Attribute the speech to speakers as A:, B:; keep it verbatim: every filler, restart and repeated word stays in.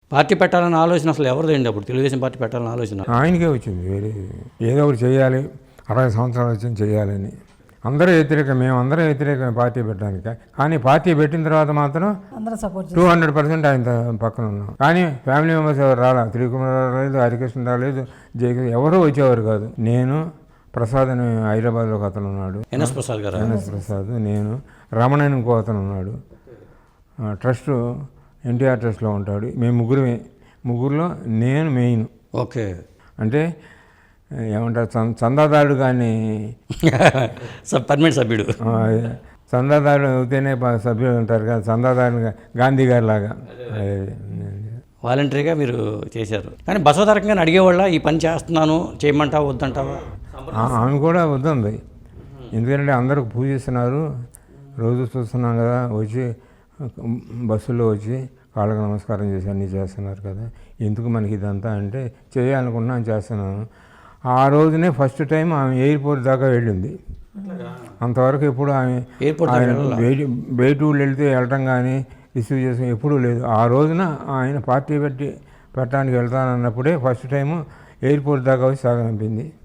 A: Party పెట్టాలన్న ఆలోచన అసలు ఎవరిదండి అప్పుడు? తెలుగుదేశం పార్టీ పెట్టాలన్న ఆలోచన
B: ఆయనకే వచ్చింది. వేరే ఏదో ఒకటి చేయాలి, అరవై సంవత్సరాలు వచ్చింది చేయాలని. అందరూ వ్యతిరేకం, మేము అందరం వ్యతిరేకం పార్టీ పెట్టడానికి. కానీ పార్టీ పెట్టిన తర్వాత మాత్రం టూ హండ్రెడ్ పర్సెంట్ ఆయన పక్కన ఉన్నాం. కానీ ఫ్యామిలీ మెంబర్స్ ఎవరు రాలా. త్రికుమార్ రాలేదు, హరికృష్ణ రాలేదు, జయకృష్ణ ఎవరూ వచ్చేవారు కాదు. నేను ప్రసాద్ అని హైదరాబాద్లో ఒక అతను ఉన్నాడు,
A: ఎన్ఎస్ ప్రసాద్ గారు,
B: ఎన్ఎస్ ప్రసాద్, నేను రమణ అని ఇంకో అతను ఉన్నాడు, ట్రస్ట్ ఎన్టీఆర్ ట్రస్ట్లో ఉంటాడు. మేము ముగ్గురు ముగ్గురులో నేను మెయిన్.
A: ఓకే,
B: అంటే ఏమంటారు, చందాదారుడు కానీ
A: పర్మనెంట్ సభ్యుడు.
B: చందాదారుడు అవుతేనే సభ్యులు ఉంటారు కదా, చందాదారుడు గాంధీ గారి లాగా
A: వాలంటరీగా మీరు చేశారు. కానీ బసవతారకంగా అడిగేవాళ్ళ ఈ పని చేస్తున్నాను చేయమంటావా వద్దంటావా?
B: ఆమె కూడా వద్దంది. ఎందుకంటే అందరూ పూజిస్తున్నారు, రోజు చూస్తున్నాం కదా, వచ్చి బస్సులో వచ్చి కాళ్ళకు నమస్కారం చేసి అన్నీ చేస్తున్నారు కదా, ఎందుకు మనకి ఇదంతా అంటే చేయాలనుకున్నాను చేస్తున్నాను. ఆ రోజునే ఫస్ట్ టైం ఆమె ఎయిర్పోర్ట్ దాకా వెళ్ళింది. అంతవరకు ఎప్పుడు ఆమె బయట బయట ఊళ్ళు వెళ్తే వెళ్ళటం కానీ రిసీవ్ చేసిన ఎప్పుడూ లేదు. ఆ రోజున ఆయన పార్టీ పెట్టి పెట్టడానికి వెళ్తానన్నప్పుడే ఫస్ట్ టైము ఎయిర్పోర్ట్ దాకా వచ్చి సాగనంపింది.